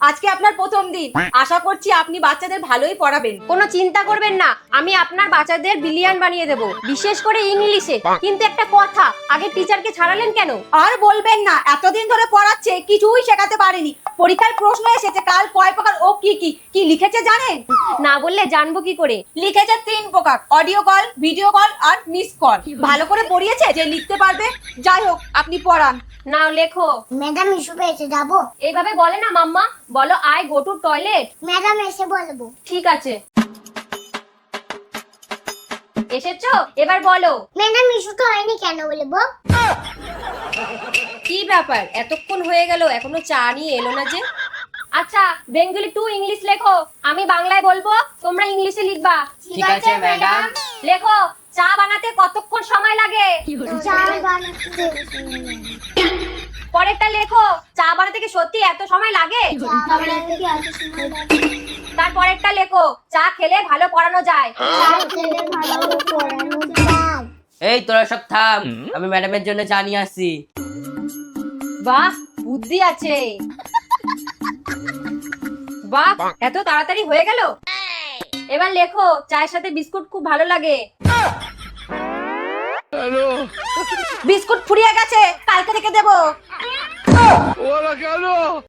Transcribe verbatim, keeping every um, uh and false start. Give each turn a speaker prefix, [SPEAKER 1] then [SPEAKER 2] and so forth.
[SPEAKER 1] আজকে আপনার প্রথম দিন, আশা করছি আপনি বাচ্চাদের ভালোই পড়াবেন।
[SPEAKER 2] কোনো চিন্তা করবেন না, আমি আপনার বাচ্চাদের বিলিয়ন বানিয়ে দেব, বিশেষ করে ইংলিশে। কিন্তু একটা কথা, আগে টিচারকে ছাড়ালেন কেন?
[SPEAKER 1] আর বলবেন না, এতদিন ধরে পড়াচ্ছে কিছুই শেখাতে পারেনি। পরীক্ষার প্রশ্ন এসেছে কাল কয় প্রকার ও কি কি কি লিখেছে জানেন?
[SPEAKER 2] না বললে জানবো কি করে?
[SPEAKER 1] লিখেছে তিন প্রকার, অডিও কল, ভিডিও কল আর মিস কল। ভালো করে পড়িয়েছে যে লিখতে পারবে। যাই হোক, আপনি পড়ান।
[SPEAKER 2] নাও লেখো।
[SPEAKER 3] ম্যাডাম ইস্যু পেয়েছে, যাবো?
[SPEAKER 2] এইভাবে বলে না মাম্মা, বলো I go to toilet.
[SPEAKER 3] Madam এসে বলবো।
[SPEAKER 2] ঠিক আছে, এসেছো? এবার বলো।
[SPEAKER 3] ম্যাডাম ইস্যুটা হয়নি কেন বলবো?
[SPEAKER 2] কি ব্যাপার, এতক্ষণ হয়ে গেল এখনো চা নিয়ে এলো না যে? আচ্ছা, বেঙ্গলি টু ইংলিশ লেখো, আমি বাংলায় বলবো, তোমরা ইংলিশে লিখবা।
[SPEAKER 3] ঠিক আছে ম্যাডাম।
[SPEAKER 2] লেখো, চা বানাতে কতক্ষণ সময় লাগে?
[SPEAKER 3] চা বানাতে
[SPEAKER 2] পরেরটা লেখো, চা বানাতে কি সত্যি এত সময় লাগে?
[SPEAKER 3] চা বানাতে কি এত সময় লাগে?
[SPEAKER 2] তারপরেরটা লেখো, চা খেলে ভালো পড়ানো যায়।
[SPEAKER 3] চা খেলে ভালো পড়ানো যায়।
[SPEAKER 4] এই তোরা সব থাম, আমি ম্যাডামের জন্য চা নিয়ে আসছি।
[SPEAKER 2] বাহ, বুদ্ধি আছে। বাহ, এত তাড়াতাড়ি হয়ে গেল। এবার লেখো, চায়ের সাথে বিস্কুট খুব ভালো লাগে।
[SPEAKER 1] বিস্কুট ফুরিয়ে গেছে, কালকে থেকে দেবো।